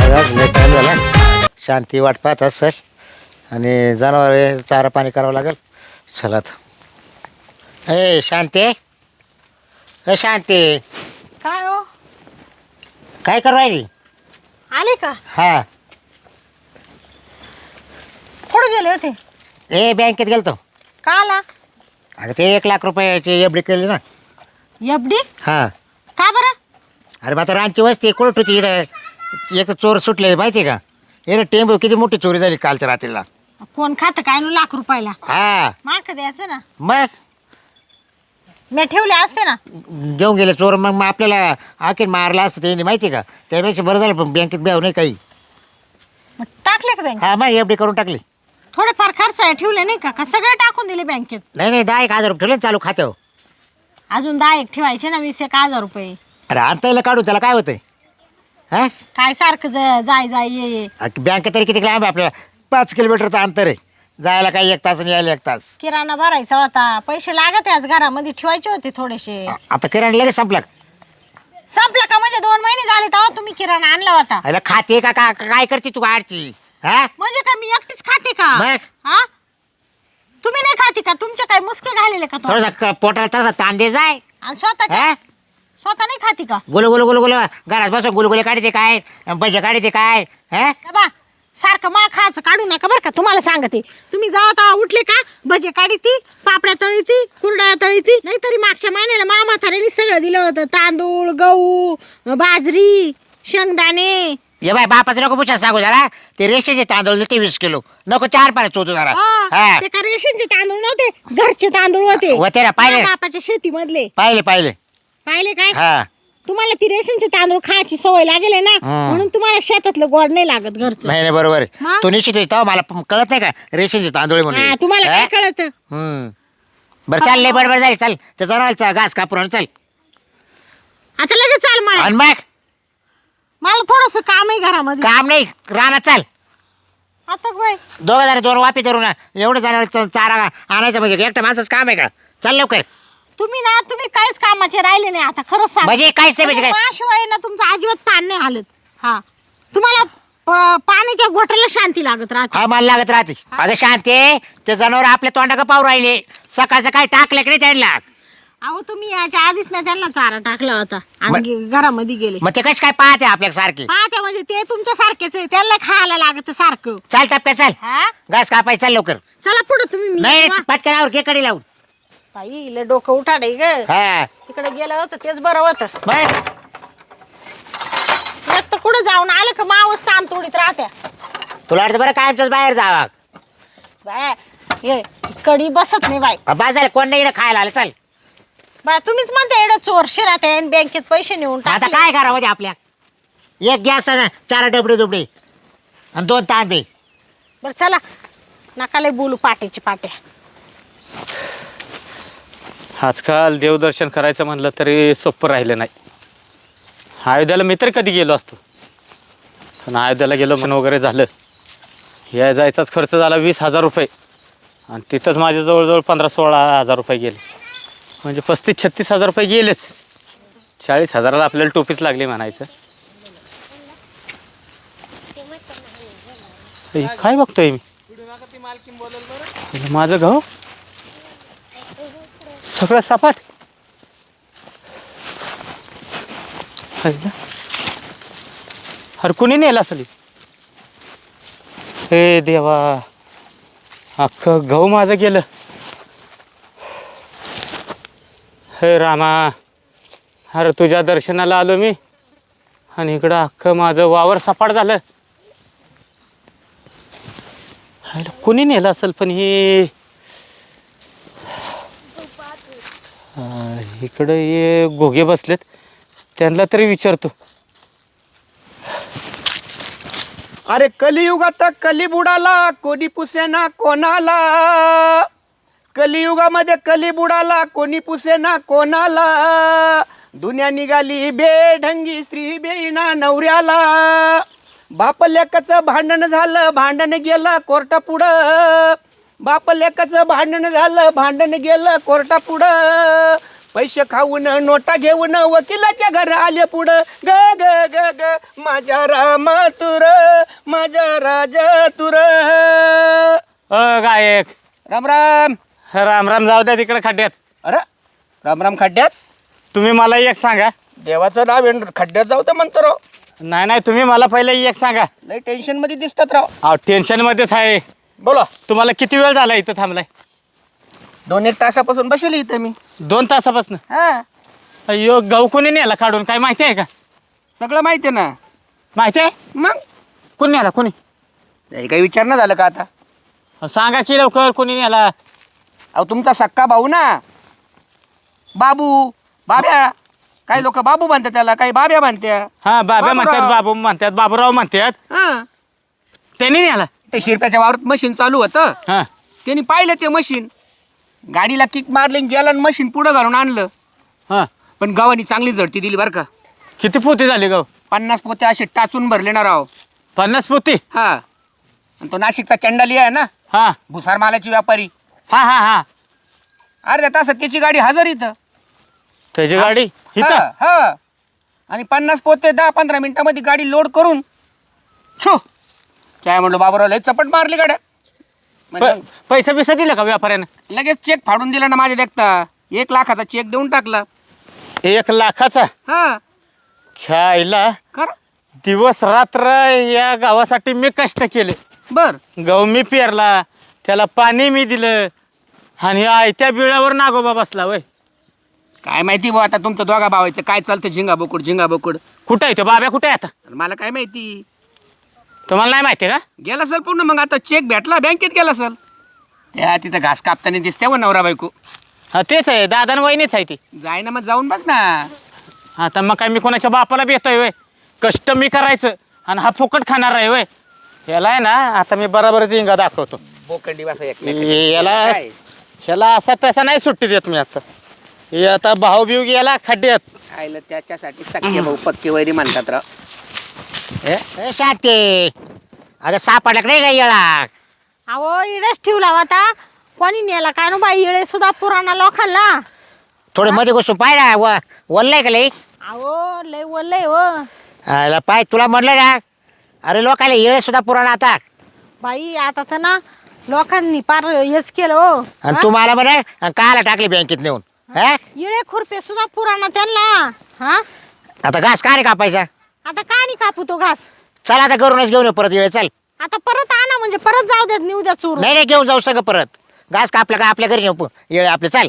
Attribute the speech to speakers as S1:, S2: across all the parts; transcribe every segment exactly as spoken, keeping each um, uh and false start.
S1: Time झाला. शांती वाट पाहत असेल आणि जनावर चारा पाणी करावं लागेल. चला आता. ए शांती, ए शांती,
S2: काय हो?
S1: काय करू राहिली?
S2: आले का?
S1: हा.
S2: कुठे गेले होते?
S1: ए बँकेत गेलतो.
S2: का आला?
S1: अगं ते एक लाख रुपयाची एफ डी केली ना.
S2: एफडी?
S1: हा.
S2: का बरं?
S1: अरे मग आता रांची वस्ती कुठं होती इकडे. एक तर चोर सुटले माहिती आहे का. येणं टेंबू किती मोठी चोरी झाली कालच्या रात्रीला.
S2: कोण खातं काय नु लाख रुपयाला?
S1: हा
S2: माक द्यायचं ना.
S1: मग
S2: मी ठेवले असते ना.
S1: घेऊन गेले चोर. मग मग आपल्याला आखीर मारला असतं ते माहिती आहे का. त्यापेक्षा बरं झालं पण बँकेत ब्याव नाही काही.
S2: मग टाकले का बँक?
S1: हा मग एफ डी करून टाकली.
S2: थोडेफार खर्च आहे ठेवले नाही का? का सगळे टाकून दिले बँकेत?
S1: नाही नाही दहा एक हजार रुपये ठेवले ना चालू खात्यावर.
S2: अजून दहा एक ठेवायचे ना. वीस एक हजार रुपये.
S1: अरे आणता येईल काढून त्याला काय होतंय. हा
S2: काय सारखं ज- जाय जाय ये ये.
S1: बँकेत तरी किती लांब आहे आपल्याला. पाच किलोमीटरचं अंतर आहे. जायला काही एक तास आणि यायला एक तास.
S2: किराणा भरायचा होता. पैसे लागत आज घरामध्ये ठेवायचे होते थोडेसे.
S1: आता किराणा लगेच संपला.
S2: संपला का? म्हणजे दोन महिने झाले तेव्हा तुम्ही किराणा आणला होता.
S1: अरे खाते का का- काय करते तू गाडची. हा
S2: म्हणजे काय मी एकटीच खाते का?
S1: मग?
S2: हा? तुम्ही नाही खाते का? तुमचे काय मुसके घालेले का तोंडात?
S1: थोडासा पोटाला तसा ताण दे जाय.
S2: आणि स्वतःच्या
S1: हा
S2: स्वतः नाही खाते का?
S1: गुलू गुलू गुलू गुलू घरात बसून गुलगुले काढते काय भजे काढते काय. हा
S2: का बा सारखं मा खायचं काढू नका बरं का. तुम्हाला सांगते तुम्ही जावा तेव्हा उठले का भजे काढी ती, पापड्या तळी ती, कुरड्या तळी ती. नाहीतरी मागच्या महिन्याला मा म्हाताऱ्याने सगळं दिलं होतं. तांदूळ, गहू, बाजरी, शेंगदाणे.
S1: ये बाय बापाचं नको पुछा सांगू जरा. ते रेषेचे तांदूळ ते वीस किलो नको चार पाण्यात चोतो जरा.
S2: हा,
S1: हा
S2: ते का रेशनचे तांदूळ नव्हते, घरचे तांदूळ होते.
S1: होते ना, पाहिले.
S2: मा बापाच्या शेतीमधले.
S1: पाहिले पाहिले.
S2: पाहिले काय?
S1: हा
S2: तुम्हाला ती रेशनचे तांदूळ खायची सवय लागेल आहे ना.
S1: हं.
S2: म्हणून तुम्हाला शेतातलं गोड नाही लागत घरचं.
S1: नाही नाही बरोबर आहे.
S2: मग?
S1: तू निश्चित तेव्हा मला प- कळत नाही का रेषेचे तांदूळ आहे
S2: हा,
S1: म्हणून.
S2: तुम्हाला काय
S1: हा?
S2: कळत?
S1: हम्म. बरं चाल लय बडबड झाली. चल ते जनावरचा घास कापून चल.
S2: आता लगेच चाल मला.
S1: आणि मग
S2: मला थोडस काम आहे घरामध्ये.
S1: काम नाही राहणार चाल.
S2: आता काय?
S1: दोघं जण दोन वापी धरून एवढं जनावर चारा आणायचं म्हणजे एकटं माणसाचं काम आहे का. चल लवकर.
S2: तुम्ही ना तुम्ही काहीच कामाचे राहिले नाही आता. खरंच सांग.
S1: म्हणजे काहीच नाही म्हणजे काय.
S2: शिवाय ना तुमचं अजिबात पान नाही हालत. हा तुम्हाला प- पाण्याच्या घोटाला शांती लागत राहते.
S1: हा मला लागत राहते. अगं शांती ते जनावर आपल्या तोंडा का पाहू राहिले. सकाळचं काय टाकलं की नाही त्यांना.
S2: अहो तुम्ही याच्या आधीच ना त्यांना चारा टाकला होता आणि गे- घरामध्ये गेले.
S1: मग ते कशी काय पाहते आपल्या सारखी.
S2: हा ते म्हणजे ते तुमच्या सारखेच आहे. त्यांना खायला लागत सारखं.
S1: चाल टप्प्या चाल.
S2: हा
S1: घास कापाय चाल लवकर.
S2: चला पुढे तुम्ही. मी
S1: नाही
S2: वा-
S1: पटकनावर केकडे लावून.
S2: बाई लय डोकं उठाडे ग.
S1: हा
S2: तिकडे गेलं होतं तेच बरं होतं.
S1: मग
S2: एक तर कुठं जाऊन आलं का मावस ताण तोडीत राहत्या.
S1: तुला वाटतं बरं काय आमच्याच बाहेर जावा.
S2: बाय ये कडी बसत नाही बाय.
S1: बाजार कोण नाही इकडे खायला आलं. चल
S2: बाय तुम्हीच म्हणता एवढं चोर शिरात आहे आणि बँकेत पैसे नेऊन
S1: आता
S2: टाकले.
S1: काय करावं ते आपल्या. एक गॅस ना चार डबडे दुबडे आणि दोन तांबे.
S2: बरं चला नका लय बोलू पाट्याची पाट्या.
S3: आजकाल देवदर्शन करायचं म्हणलं तरी सोपं राहिलं नाही. अयोध्याला मी तरी कधी गेलो असतो, पण अयोध्याला गेलो मन वगैरे झालं. या जायचाच खर्च झाला वीस हजार रुपये आणि तिथंच माझे जवळजवळ पंधरा सोळा हजार रुपये गेले. म्हणजे पस्तीस छत्तीस हजार रुपये गेलेच. चाळीस हजाराला आपल्याला टोपीच लागली म्हणायचं. हे काय बघतोय मी. माझं गाव सगळं सपाट. अरे कुणी नेला असेल. हे देवा अख्खं गहू माझं गेलं. हे रामा अरे तुझ्या दर्शनाला आलो मी आणि इकडं अख्खं माझं वावर सपाट झालं. कुणी नेलं असेल पण हे इकडं हे घोगे बसलेत त्यांना तरी विचारतो.
S4: अरे कलियुगात कली बुडाला कोणी पुसेना कोणाला. कलियुगामध्ये कली बुडाला कोणी पुसेना कोणाला. दुनिया निघाली बेढंगी श्री बेईना नवऱ्याला. बाप लेकाचं भांडण झालं भांडण गेलं कोर्टापुढं. बाप लेकाचं भांडण झालं भांडण गेलं कोर्टापुढं. पैसे खाऊन नोटा घेऊन वकिलाच्या घर आले पुढं ग ग ग ग माझ्या राम तुर माझ्या राजा तुर.
S3: अ गायक
S4: राम राम.
S3: राम राम, जाऊ द्या तिकडे खड्ड्यात.
S4: अरे राम राम. खड्ड्यात?
S3: तुम्ही मला एक सांगा.
S4: देवाचं नाव आहे, खड्ड्यात जाऊ तर म्हणतो राव.
S3: नाही नाही, तुम्ही मला पहिले एक सांगा.
S4: लई टेन्शन मध्ये दिसतात राव.
S3: अहो टेन्शन मध्येच आहे.
S4: बोला.
S3: तुम्हाला किती वेळ झाला इथं थांबलाय?
S4: दोन एक तासापासून बसले इथं मी.
S3: दोन तासापासून?
S4: हा
S3: अय्यो, गहू कोणी नेला काढून, काय माहिती आहे का?
S4: सगळं माहिती आहे ना.
S3: माहिती आहे?
S4: मग
S3: कोणी नेला? कोणी?
S4: हे काही विचार ना झालं का आता?
S3: अहो, सांगा की लवकर, कोणी नेला?
S4: अहो तुमचा सक्का भाऊ ना, बाबू बाब्या. काही लोक बाबू म्हणतात त्याला, काही बाब्या म्हणत्या.
S3: हा, बाबा
S4: बाबूराव.
S3: म्हणतात, बाबू म्हणतात, बाबूराव म्हणतात.
S4: हा
S3: त्यांनी नेला?
S4: ते शिरप्याच्या वावरात मशीन चालू होतं,
S3: हा
S4: त्यांनी पाहिलं ते मशीन, गाडीला किक मारली आणि गेला आणि मशीन पुढं घालून आणलं.
S3: हा.
S4: पण गावानी चांगली झडती दिली बरं का.
S3: किती पोती झाली गहू?
S4: पन्नास पोते असे टाचून भरले ना राव.
S3: पन्नास पोती?
S4: हा. आणि तो नाशिकचा चंडाली आहे ना,
S3: हा
S4: भुसार मालाची व्यापारी,
S3: हा हा हा
S4: अर्ध्या तासात त्याची गाडी हजर इथं.
S3: त्याची गाडी इथं?
S4: हा, हा. आणि पन्नास पोते दहा पंधरा मिनिटामध्ये गाडी लोड करून छो काय म्हणलो बाबूराव, लय चपट मारली गाड्या. म्हणजे
S3: प- पैसा बिसा दिला का व्यापाऱ्यानं?
S4: लगेच चेक फाडून दिला ना माझ्या देखता. एक लाखाचा चेक देऊन टाकला.
S3: एक लाखाचा?
S4: हा
S3: छायला,
S4: खरं.
S3: दिवस रात्र या गावासाठी मी कष्ट केले.
S4: बर.
S3: गहू मी पेरला, त्याला पाणी मी दिलं, आणि आयत्या बिळावर नागोबा बसला. वय
S4: काय माहिती भाऊ आता तुमचं दोघा भावायचं काय चालतं, झिंगा बोकुड झिंगा बोकुड.
S3: कुठं आहे तो बाब्या? कुठे आहे आता?
S4: मला काय माहिती.
S3: तुम्हाला नाही माहिती का?
S4: गेला सर पूर्ण. मग आता चेक भेटला, बँकेत गेला सर. त्या तिथं घास कापताना दिसते व नवरा बायको.
S3: हा तेच आहे, दादा वहिनीच आहे ती.
S4: जाय ना मग जाऊन बघ ना.
S3: आता मग काय मी कोणाच्या बापाला भेटतोय वय? कष्ट मी करायचं आणि हा फुकट खाणार आहे वय? याला आहे ना, आता मी बरोबर झिंगा दाखवतो.
S4: बोकंडी वासा एक
S3: याला ह्याला असा तसा नाही सुट्टी देत मी. आता हे आता भाऊ बिऊ गेला खड्ड्यात.
S4: आयला त्याच्यासाठी सख्खे भाऊ पक्के वैरी म्हणतात राव.
S1: ए शांती, अगं सापडला का नाही का येळा?
S2: अहो इडच ठेवला होता, कोणी नेला काय नो बाई, इडे सुद्धा पुराणा लोकांना.
S1: थोडे मध्ये घुसून पाय ना, व वल्लय का लई?
S2: अहो लय वल्लय हो
S1: आला पाय, तुला म्हणलं ना, अरे लोकाला येळे सुद्धा पुराण आता.
S2: बाई. आता तर ना लोकांनी पार हेच केलं हो.
S1: आणि तू मला म्हणे काला टाकली बँकेत नेऊन. हा,
S2: इळे खुरपे सुद्धा पुराणा त्यांना. हा,
S1: आता घास का रे कापायचा?
S2: आता का नाही कापू तो घास?
S1: चल आता घरूनच घेऊन ये परत येळे. चल.
S2: आता परत आणा म्हणजे परत जाऊ देत, नेऊ द्या चोरून.
S1: नाही नाही, घेऊन जाऊ सगळं परत. घास कापला का आपल्या घरी नेऊ येळे आपले. चल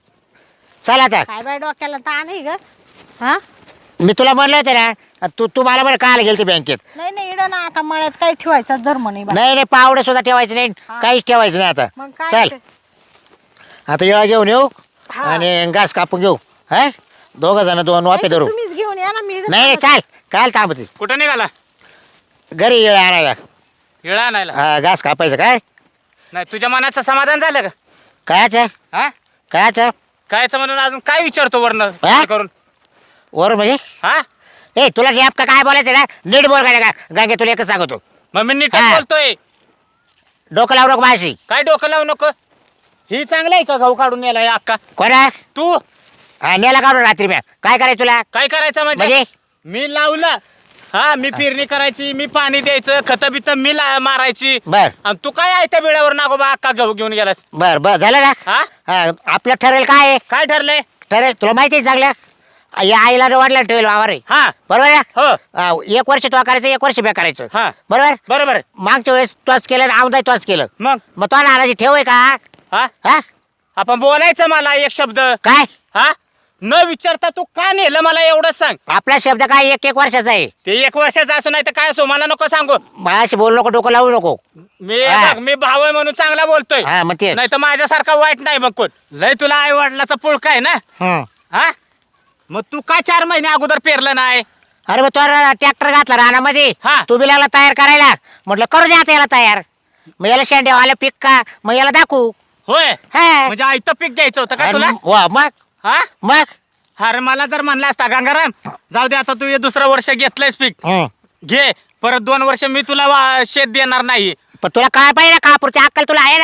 S1: चल आता.
S2: काय बाय डोक्याला ताण आहे ग. हा,
S1: मी तुला म्हणलं होतं ना, तू तू मला म्हणे काला गेलती बँकेत.
S2: नाही नाही इड ना आता मळ्यात काही ठेवायचा धर्म नाही बाई.
S1: नाही नाही, पावडे सुद्धा ठेवायचं नाही,
S2: हा.
S1: काहीच ठेवायचं नाही आता.
S2: मग काय
S1: चल
S2: ते?
S1: आता येळा घेऊन येऊ
S2: हा.
S1: आणि घास कापून घेऊ. हा, दोघं जण दोन वापे
S2: नाही तर
S1: धरू.
S2: तुम्हीच घेऊन या ना. मी इकडं
S1: नाही नाही, चाल. काल थांबते
S3: कुठं निघाला?
S1: घरी येळे आणायला.
S3: हिळा आणायला?
S1: हा, घास कापायचं. काय
S3: नाही, तुझ्या मनाचं समाधान झालं का?
S1: कायचं
S3: हा,
S1: कायचं
S3: कायचं म्हणून अजून काय विचारतो वर्ण
S1: हा?
S3: करून?
S1: वर म्हणजे
S3: हा,
S1: ए तुला गॅप का काय बोलायचं ना, नीट बोल काय का गंगे, तुला एकच सांगतो.
S3: मग मी नीट
S1: हा.
S3: बोलतोय.
S1: डोकं लावू नको माझी.
S3: काय डोकं लावू नको. ही चांगलं आहे का गहू काढून नेला अक्का?
S1: कोणा
S3: तू
S1: हा, नेला काढून रात्री मी. काय करायचं तुला?
S3: काय करायचं म्हणजे?
S1: म्हणजे
S3: मी लावलं. हा, मी पेरणी करायची, मी पाणी द्यायचं, खत बित मी ला मारायची.
S1: बर
S3: आणि तू काय आहे त्या बिळावर नागोबा अक्का गहू घेऊन गेलास?
S1: बर बर झालं ना.
S3: हा,
S1: हा, आपलं ठरेल काय आहे?
S3: काय ठरलंय?
S1: ठरेल तुला माहिती आहे चांगलं. या आईला वाढला ठेवेल वावर आहे.
S3: हा,
S1: बरोबर आहे
S3: हो,
S1: ना? हा, एक वर्ष तो करायचं, एक वर्ष बॅ करायचं.
S3: हा,
S1: बरोबर.
S3: बरोबर आहे.
S1: मागच्या वेळेस तोच केलं आणि आमदाय तोच केलं.
S3: मग
S1: मग तो नाराजी ठेव आहे का?
S3: हा,
S1: हा,
S3: आपण बोलायचं मला एक शब्द.
S1: काय
S3: हा, न विचारता तू का नेलं मला एवढंच सांग.
S1: आपला शब्द काय एक एक वर्षाचा आहे.
S3: ते एक वर्षाचं असं नाही तर काय असो, मला नको सांगू.
S1: माझ्याशी बोलू नको, डोकं लावू नको.
S3: मी
S1: हा.
S3: बघ, मी भाऊ आहे म्हणून चांगला बोलतोय.
S1: हा, मग तेच.
S3: नाही तर माझ्यासारखा वाईट नाही मग कोण. लय तुला आई वडिलाचा पुळका आहे ना.
S1: हं.
S3: हा, मग तू काय चार महिने अगोदर पेरलं नाही?
S1: अरे मग तो ट्रॅक्टर घातला रानामध्ये.
S3: हा.
S1: तू बी लागला तयार करायला. म्हटलं करू द्या आता याला तयार. मग याला शेंड्या आल्या पीक का, मग याला दाखवू.
S3: होय,
S1: हा.
S3: म्हणजे आयतं पीक घ्यायचं होतं का तुला?
S1: आणि- वा, मग
S3: हा,
S1: मग
S3: अरे मला जर म्हणला असता गंगाराम जाऊ दे आता तू हे दुसरं वर्ष घेतलंयस पीक,
S1: हं.
S3: घे परत दोन वर्ष मी तुला वा- शेत देणार नाही.
S1: पण तुला काय पाहिजे ना, कापूरची अक्कल तुला आहे ना.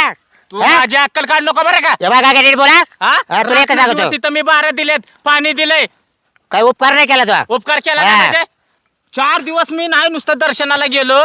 S3: तू
S1: हा?
S3: माझी अक्कल काढ नको बरं का
S1: हे बघा काय नीट बोला
S3: हा?
S1: हा, तुला एकच सांगतो
S3: रात्री तिथं मी बारा दिलेत पाणी दिलंय
S1: काही उपकार नाही केला तुला
S3: उपकार केला
S1: हा.
S3: नाही म्हणजे चार दिवस मी नाही नुसतं दर्शनाला गेलो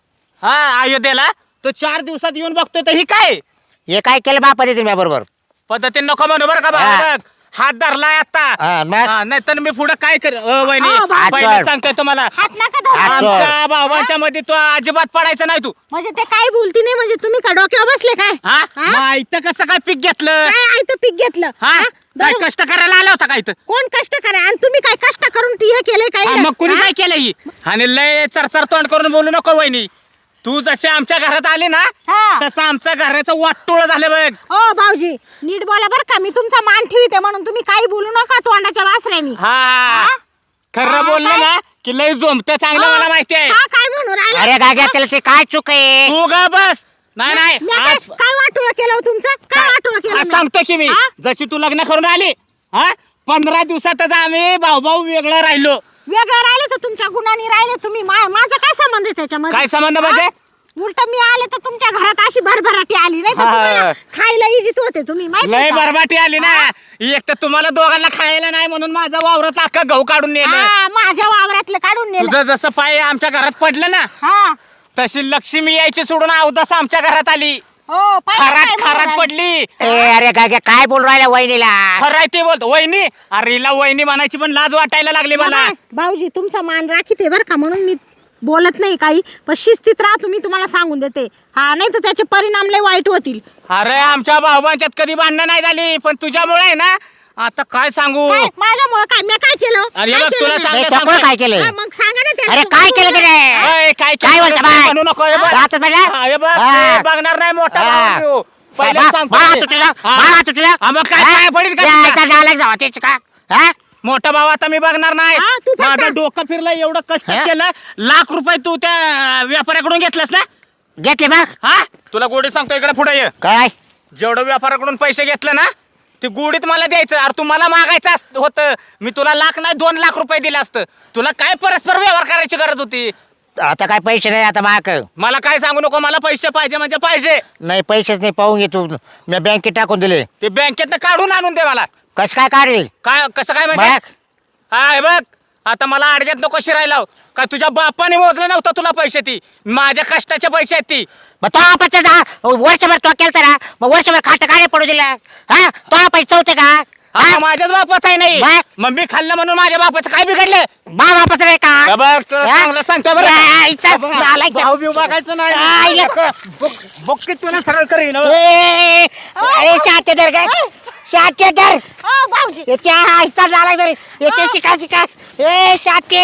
S3: हा अयोध्येला तर चार दिवसात येऊन बघतोय तर ही काय
S1: हे काय केलं बापा देतील मी बरोबर
S3: पद्धतीने नको म्हणू बरं का
S1: हा.
S3: बा- बघ हात धरलाय आता
S1: हा, मग?
S3: नाही तर मी पुढे काय कर अ, वहिनी
S2: हा, बा-
S3: पहिले
S1: हात
S3: सांगतोय तुम्हाला
S2: हात नका धरू.
S1: हात-
S3: आमच्या भावांच्या मध्ये तो अजिबात पडायचा नाही तू
S2: म्हणजे ते काय बोलती नाही म्हणजे तुम्ही का डोक्यावर बसले काय
S3: हा
S2: हा?
S3: माहित कसं काय पीक घेतलं
S2: काय आयतं पीक घेतलं
S3: हा
S2: हा?
S3: काय
S2: दर-
S3: कष्ट करायला आला होता काय तर
S2: कोण कष्ट करा आणि तुम्ही काय कष्ट करून ती हे केलंय काय
S3: हा, मग कुणी काय केलं ही आणि लय चरचर तोंड करून बोलू नको वहिनी तू जशी आमच्या घरात आली ना
S2: हा.
S3: तसं आमच्या घराचं वाटोळ झालं बघ
S2: हो भाऊजी नीट बोला बरं का मी तुमचा मान ठेवते म्हणून तुम्ही काही बोलू नका तोंडाच्या वासऱ्यानी
S3: हा खरं
S2: हा,
S3: बोललं
S2: काय?
S3: ना की लय जोमत चांगलं मला माहिती आहे
S2: हा, काय म्हणून राहिला
S1: अरे गाग्या त्याला ते काय चूक आहे
S3: तू ग बस नाही नाही
S2: मी काय
S3: आज
S2: काय वाटोळ केलं हो तुमचं काय वाटोळ केलं
S3: आज
S2: मी?
S3: सांगतो की मी
S2: हा?
S3: जशी तू लग्न करून आली हा पंधरा दिवसातच आम्ही भाऊ भाऊ वेगळं राहिलो
S2: वेगळं राहिले तर तुमच्या गुणांनी राहिले तुम्ही मा- माझा काय संबंध आहे त्याच्यामध्ये
S3: काय संबंध म्हणजे?
S2: उलट मी आले तर तुमच्या घरात अशी भरभराटी आली नाही तर
S3: हा.
S2: तुम्हाला खायला इजित होते तुम्ही माहिती
S3: लय
S2: का?
S3: बरबाटी आली ना एक तर तुम्हाला दोघांना खायला नाही म्हणून माझा वावरात अख्खा गहू काढून नेलं
S2: हा, माझ्या वावरातलं काढून नेलं
S3: तुझं जसं पाय आमच्या घरात पडलं ना
S2: हा
S3: तशी लक्ष्मी यायची सोडून अवदस आमच्या घरात आली
S2: हो पाहिलं काय
S3: खराट
S2: म्हणून
S3: खराट
S2: राहिले?
S3: पडली
S1: ए अरे गाग्या काय बोल राहिला वहिनीला
S3: खराय ते बोलतो वहिनी अरे हिला वहिनी म्हणायची पण लाज वाटायला लागली मला
S2: बाबा, भाऊजी तुमचा मान राखीते बरं का म्हणून मी बोलत नाही काही पण शिस्तीत राहा तुम्ही तुम्हाला सांगून देते हा नाही तर त्याचे परिणाम लय वाईट होतील
S3: अरे आमच्या भाऊबांच्यात कधी भांडणं नाही झाली पण तुझ्यामुळे आहे ना आता काय सांगू
S2: काय माझ्यामुळे काय मी काय केलं
S3: अरे
S2: काय
S3: बघ,
S2: केलं
S3: तुला
S2: मी?
S3: चांगलं
S1: ए, चपळ काय केलं
S2: हा, मग सांगा ना त्याला.
S1: अरे काय केलं त्याने
S3: अय, काय
S1: काय
S3: केलं?
S1: बोलता बाय?
S3: म्हणू नको हे बघ.
S1: राहतच म्हणलं?
S3: हा, हे बघ,
S1: हा.
S3: ते बघणार नाही मोठा
S1: हा.
S3: भाऊ तू. पहिलेच
S1: बा-
S3: सांगतो
S1: बा
S3: मी.
S1: तुटलं
S3: हा.
S1: बा तुटलं
S3: हा, मग काय
S1: हा?
S3: पाय पडील का
S1: या,
S3: तुझा?
S1: याचा डायलॉग जावा त्याची का हा
S3: मोठा भाऊ आता मी बघणार नाही
S2: हा, तू फक्त-
S3: माझं डोकं फिरलं एवढं कष्ट
S1: हा?
S3: केलं लाख रुपये तू त्या व्यापाऱ्याकडून घेतलंस ना
S1: घेतले मग
S3: हा तुला गोडी सांगतो इकडे पुढे ये
S1: काय
S3: जेवढं व्यापाऱ्याकडून पैसे घेतले ना ते गोडीत मला द्यायचं अरे तू मला मागायचं असत- होतं मी तुला लाख नाही दोन लाख रुपये दिले असतं तुला काय परस्पर व्यवहार करायची गरज होती
S1: आता काय पैसे नाही आता माक
S3: मला काय सांगू नको मला पैसे पाहिजे म्हणजे पाहिजे
S1: नाही पैसेच नाही पाहून घे तू मी बँकेत टाकून दिले
S3: ते बँकेतनं काढून आणून दे मला
S1: कस काय काढेल
S3: काय कसं काय म्हणजे
S1: बघ.
S3: हा हे बघ आता मला अडग्यात नको शिरायला का तुझ्या बापाने मोजलं नव्हतं तुला पैसे ती माझ्या कष्टाचे पैसे आहेत ती
S1: मग तो आपण जा वर्षभर तो केलता ना मग वर्षभर खाट काय पडू दिला हा तो पैसे होते का
S3: हा
S1: हा?
S3: माझ्याच बापाचा आहे नाही
S1: बघ.
S3: मग मी खाल्लं म्हणून माझ्या बापाचं काय बिघडलं
S1: बा वापस नाही का
S3: हे बघ तुला
S1: हा?
S3: चांगलं सांगतो बरं
S1: या, इच्छा,
S3: हे बघ,
S1: नालायक.
S3: भाऊ बिऊ बघायचं
S1: आ,
S3: नाही
S1: या.
S3: बघ की तुला सरळ करीन हो.
S1: ए, अरे शाते दर काय शाते दर
S2: हो, भाऊजी
S1: याच्या आईचा झाला तरी याच्या शिका शिका ए शाते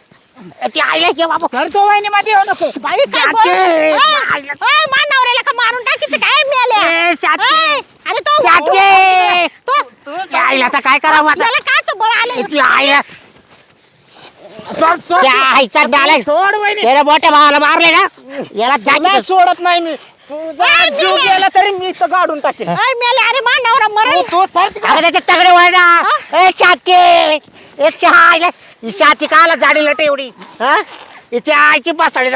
S1: याची आईला घे बाबा
S3: करतो वहिनी मध्ये येऊ नको
S2: बाई काय बोल-
S1: शाते.
S2: ओय, ओय, मा नवऱ्याला का मारून टाकीत काय मिळाले
S1: ए, शाते.
S2: अरे तो
S1: शाते.
S2: तो
S1: त्या आईला आता काय करावं आता
S2: त्याला काच बळ आलं
S1: याची आईला
S3: सोड, सोड.
S1: त्या आईचा डालाय
S3: सोड वहिनी
S1: त्याला मोठ्या भावाला मारले ना याला
S3: तुला
S1: जागी
S3: सोडत नाही मी तुझा
S2: ए,
S3: जीव
S2: मेले.
S3: गेला तरी मी इथं गाडून टाकेन
S2: ओय, मेले अरे मा नवरा मरेल
S3: तो सर
S1: अगं त्याचे तगडे वळणा ए शाते एक आईला ही शाती काला जाडी लटे एवढी हा हिच्या आईची पासाडी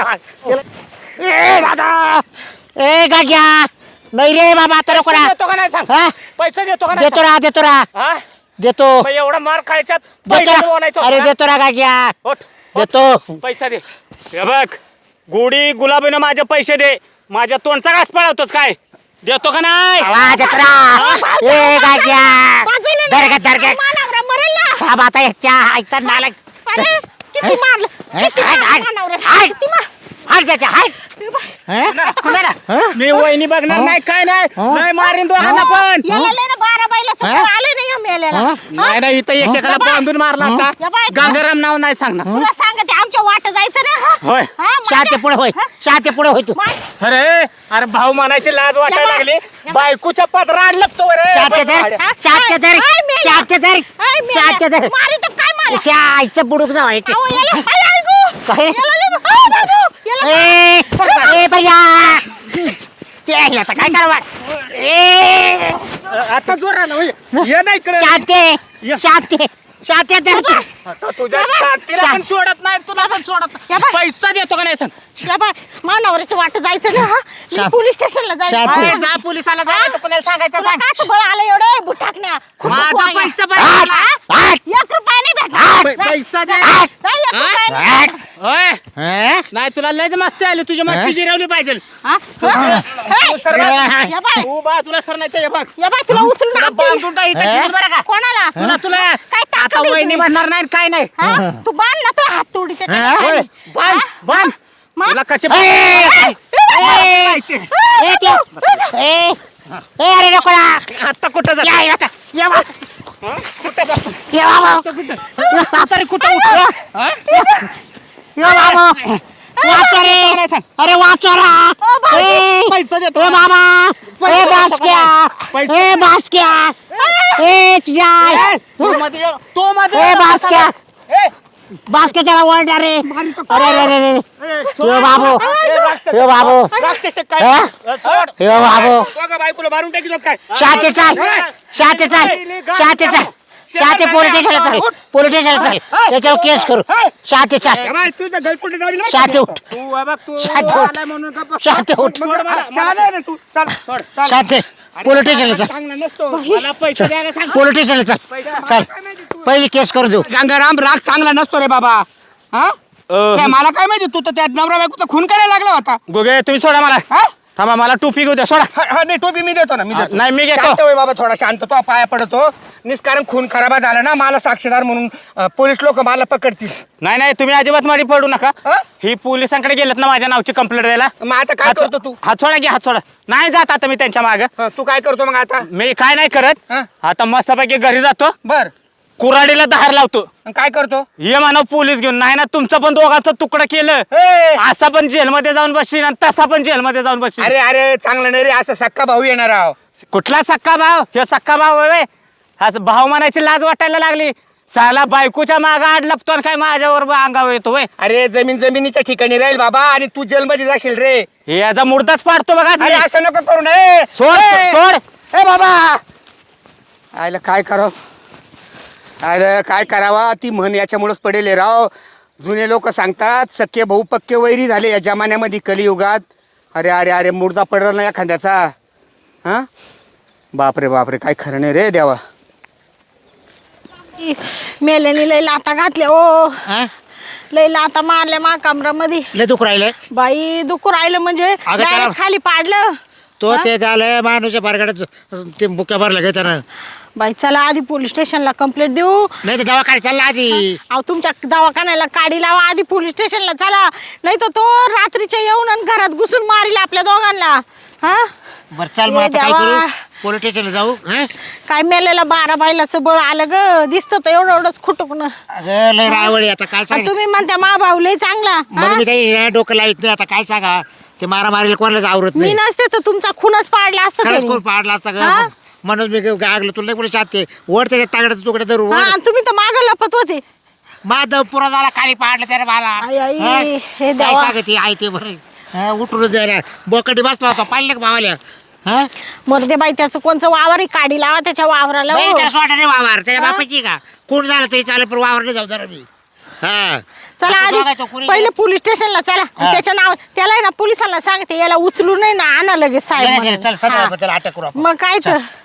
S1: ए दादा ए गाग्या नाही रे बाबा आता नको ना
S3: देतो का नाही सांग
S1: हा
S3: पैसे देतो का नाही
S1: देतो ना देतो ना
S3: सांग? हा?
S1: देतो
S3: मग एवढा मार खायच्यात
S1: देतो
S3: पैसे
S1: ना
S3: बोलायचं
S1: अरे
S3: होतं ना?
S1: देतो ना गाग्या
S3: उठ, उठ.
S1: देतो
S3: पैसा दे हे बघ गोडी गुलाबीनं माझे पैसे दे माझ्या तोंडचा घास पळवतोस काय देतो का नाही
S1: आवाज देतो ना ए गाग्या
S2: वाजवलं ना.
S1: दरगत दरगत
S2: मा नवरा मरेल ना
S1: हा बाता ह्याच्या आईचा नाला
S2: अरे किती मारलं किती मारलं मा नवऱ्याला. किती मार-
S1: हाड त्याच्या हाड
S3: कुणाला? कुणाला? मी वहिनी बघणार नाही काय नाही
S1: हं?
S3: नाही मारीन दोघांना पण
S2: याला लय ना बारा बायला सगळं
S1: हा?
S2: आलं नाही या मेल्याला
S1: हा?
S3: नाही नाही इथं एकेकाला
S2: या बाय.
S3: बांधून मारला
S2: या
S3: आता
S2: बाय.
S3: गंगाराम नाव नाही सांगणार
S2: तुला सांगते आमच्या वाट जायचं नाही हा?
S3: होय.
S2: हा, माझ्या-
S1: शाते पुढे होय
S2: हा?
S1: शाते पुढे होय तू
S2: मा-
S3: अरे अरे भाऊ म्हणायची लाज वाटायला
S2: या बाय.
S3: लागली
S2: या बाय.
S3: बायकोच्या पदराड लपतो रे
S1: शाते धर
S2: हा?
S1: शाते धर
S2: आय मेल्या.
S1: शाते धर
S2: आय मेल्या.
S1: शाते धर
S2: मारी तर काय मला
S1: त्याच्या आईचं बुडूक जावायचे
S2: अहो, याला आय, आय गो.
S1: काय रे?
S2: याला लय- आ, बाबू, याला-
S1: ए ए बया ते आहे आता काय करावं ए
S3: आता जोर आला होय. ये ना इकडे
S1: शाते शाते शांती धर तू.
S3: तुझ्या शांतीला पण सोडत नाही तुला पण सोडत
S2: या
S3: नाही.
S2: बाय.
S3: पैसा देतो का नाही सांग
S2: या बाय मानावरची वाट जायचं ना हा मी
S1: शांत.
S2: पोलीस स्टेशनला
S1: शांत.
S2: जायचं
S3: अरे,
S2: हा.
S3: जा पोलिसाला जा
S2: हा?
S3: कोणाला सांगायचं
S2: तुला
S3: सांग
S2: काच बळ आलं एवढे बुटाकण्या
S3: माझा पैसा
S1: आठ,
S3: पाहिजे
S1: आठ.
S2: एक रुपया नाही
S3: पै-
S2: भेटणार
S3: पैसा दे
S2: जा, जा, एक रुपया नाही
S1: आठ.
S2: भेटणार.
S3: ओय
S1: हं?
S3: नाही तुला लयच मस्ती आली तुझी मस्ती जिरवली पाहिजे
S2: हा? हा? हे, या बाय
S3: तू बा तुला सर नाही बघ
S2: या बाय तुला उचलून
S3: तुला
S2: आणते.
S3: बांधून टाक इथं
S1: हे?
S3: ठेवून बरं का
S2: कोणाला
S3: तुला तुला
S2: काय ताकद
S3: आता
S2: आहे
S3: वहिनी
S2: तुझी?
S3: म्हणणार नाही काय नाही
S2: हा? तू बांध ना तो हात तोडी ते
S1: हा?
S3: होय, बांध बांध
S2: मग?
S3: तुला कसे
S1: ए, ए, ए, ए, ते. ए, ए, अरे नको ना.
S3: आता कुठं
S1: या,
S3: जा
S1: या, आता. या बा.
S3: कुठं जा
S1: या बाबा.
S3: तरी कुठं उठलं हा?
S1: या बाबा. वाचवा रे. अरे वाचवा रा. ए,
S3: पैसा देतो
S1: ए बाबा. ए बासक्या.
S3: पैसा.
S1: ए बासक्या. ए तुझ्या.
S3: तू मध्ये ये. तू मध्ये
S1: ए
S3: ये.
S1: बासक्या.
S3: ए,
S1: बासक्या त्याला ओरडा रे. अरे रे रे रे.
S3: ए,
S1: यो बाबू.
S3: ए, राक्षस.
S1: यो बाबू.
S3: राक्षस आहे
S1: हा?
S3: काय सोड.
S1: यो बाबू.
S4: दोघं बायकोला मारून टाकी काय
S1: शांती चाल. शांती चाल. शांती चाल. शांती पोलीस स्टेशनला चाल. पोलीस स्टेशनला चाल. त्याच्यावर केस करू. शांती चाल.
S4: ए बाय, तुझं गलकुटे दाबील बरं का?
S1: शांती उठ.
S4: तू ए बघ तू
S1: शांत हो.
S4: आलाय म्हणून गप्प.
S1: शांती उठ.
S4: मग मला- मला नाही रे तू चल सोड चल.
S1: शांती. पोलीस स्टेशनला चाल.
S3: चांगला नसतो मला पैसे द्यायला सांग
S1: पोलीस स्टेशनला चाल. चाल. पहिली केस करू देऊ.
S4: गंगाराम राग चांगला नसतो रे बाबा हा काय मला काय माहिती तू तर त्या नवरा बायकोचा खून करायला लागला होता
S3: गोगे तुम्ही सोडा मला
S4: हा?
S3: थांबा मला टोपी घेऊ द्या सोडा
S4: हा हा, नाही टोपी मी देतो ना मी देतो
S3: नाही, मी घेतो.
S4: शांत होय बाबा थोडा शांत तो पाया पडतो निष्कारण खून खराबा झाला ना मला साक्षीदार म्हणून अं, पोलीस लोक मला पकडतील
S3: नाही नाही तुम्ही अजिबात मारी पडू नका
S4: हा?
S3: ही पोलिसांकडे गेलेत ना माझ्या नावची कंप्लेंट द्यायला
S4: मग आता काय करतो तू
S3: हात सोडा घे हात सोडा नाही जात आता मी त्यांच्या माग
S4: हा, तू काय करतो मग आता
S3: मी काय नाही करत
S4: हा?
S3: आता मस्तपैकी घरी जातो
S4: बर
S3: कुराडीला धार लावतो
S4: मग काय करतो
S3: ये मानव पोलीस घेऊन नाही ना तुमचं पण दोघांचं तुकडं केलं
S4: ए,
S3: असा पण जेलमध्ये जाऊन बसशील आणि तसा पण जेलमध्ये जाऊन बसशील
S4: अरे अरे चांगलं नाही रे असं सक्का भाऊ येणार आहो
S3: कुठला सक्का भाव हे सक्का भाव होय असं भाव म्हणायची लाज वाटायला लागली साला बायकोच्या मागं आड लपतो आणि काय माझ्यावर अंगावर येतो वय
S4: अरे जमीन जमिनीच्या ठिकाणी राहील बाबा आणि तू जेलमध्ये जाशील रे
S3: हे याचा मुर्दाच पाडतो बघा
S4: अरे असं नको करू नये
S3: सोड, सोड.
S4: ए बाबा आयला काय करावं आयला काय करावा ती म्हण याच्यामुळेच पडेल आहे राव जुने लोक सांगतात सख्खे भाऊ पक्के वैरी झाले या जमान्यामध्ये कलियुगात अरे अरे अरे मुर्दा पडला ना एखाद्याचा हां बापरे बापरे काय खरं नाही रे देवा
S2: मेल्याने लय लाता घातल्या ओ
S1: हा?
S2: लय लाता मारल्या मा कमरामध्ये
S1: लय दुख राहिले
S2: बाई दुखू राहिलं म्हणजे
S1: अगं
S2: direct
S1: त्याला-
S2: खाली पाडलं
S1: तो ते झालं माणूसच्या बारगाड्यात ते बुक्या भरला घे त्यानं
S2: बाई चला आधी पोलीस स्टेशनला कंप्लेंट देऊ
S1: नाही तर दवाखान्यात चालला आधी
S2: अहो तुमच्या दवाखान्याला काडी लावा आधी पोलीस स्टेशनला चला नाही तर तो रात्रीच्या येऊन आणि घरात घुसून मारील आपल्या दोघांना हा
S1: बरं चाल मग
S2: ये
S1: आता काय
S2: देवा.
S1: करू पोलीस स्टेशनला जाऊ हा?
S2: काय मेलेला बारा बायलाचं बळ आलं ग दिसतं तर एवढं एवढंच खुटकण
S1: अगं लय रावळी आता काय सांग
S2: तुम्ही म्हणता मा भाऊ लय चांगला
S1: म्हणून
S2: हा?
S1: मी काही डोकं लावित नाही आता काय सांगा ते मारा मारीला कोणालाच आवरत
S2: मी
S1: नाही
S2: नसते तर तुमचा खूनच पाडला असता
S1: खरंच
S2: त्यांनी.
S1: कोण पाडला असता
S2: हा?
S1: का म्हणून मी गागलो तुला नाही कोणी शाते वर त्याच्या तागड्याचा तुकडे धरू
S2: हा आणि तुम्ही तर माग लपत होते
S1: माधव पुरा झाला खाली पाडलं त्याने मला
S2: आई, आई,
S1: हा?
S2: हे
S1: काय
S2: देवा.
S1: सांगते आई ते बरं हा, उठून द्यायला बोकडी बसला होता पाहिलं का भावाल्या हा
S2: मरते बाई त्याचं कोणचं वावर आहे काडी लावा त्याच्या वावराला
S1: नाही
S2: हो.
S1: त्याला सोडा नाही वावर त्याच्या
S2: हा?
S1: बापाची का कोण झालं तरी चालेल पण वावर नाही जाऊ जरा मी हा
S2: चला
S1: असं बघायचं,
S2: आधी
S1: कुणी-
S2: पहिले पोलीस स्टेशनला चला आणि
S1: हा.
S2: त्याच्या नाव त्याला आहे ना पोलिसांना सांगते याला उचलून नाही ना आणा लगेच
S1: नाही, नाही,
S2: साहेब
S1: चल
S2: म्हणून. हा.
S1: सर त्याला अटक करू आपण.
S2: मग काय तर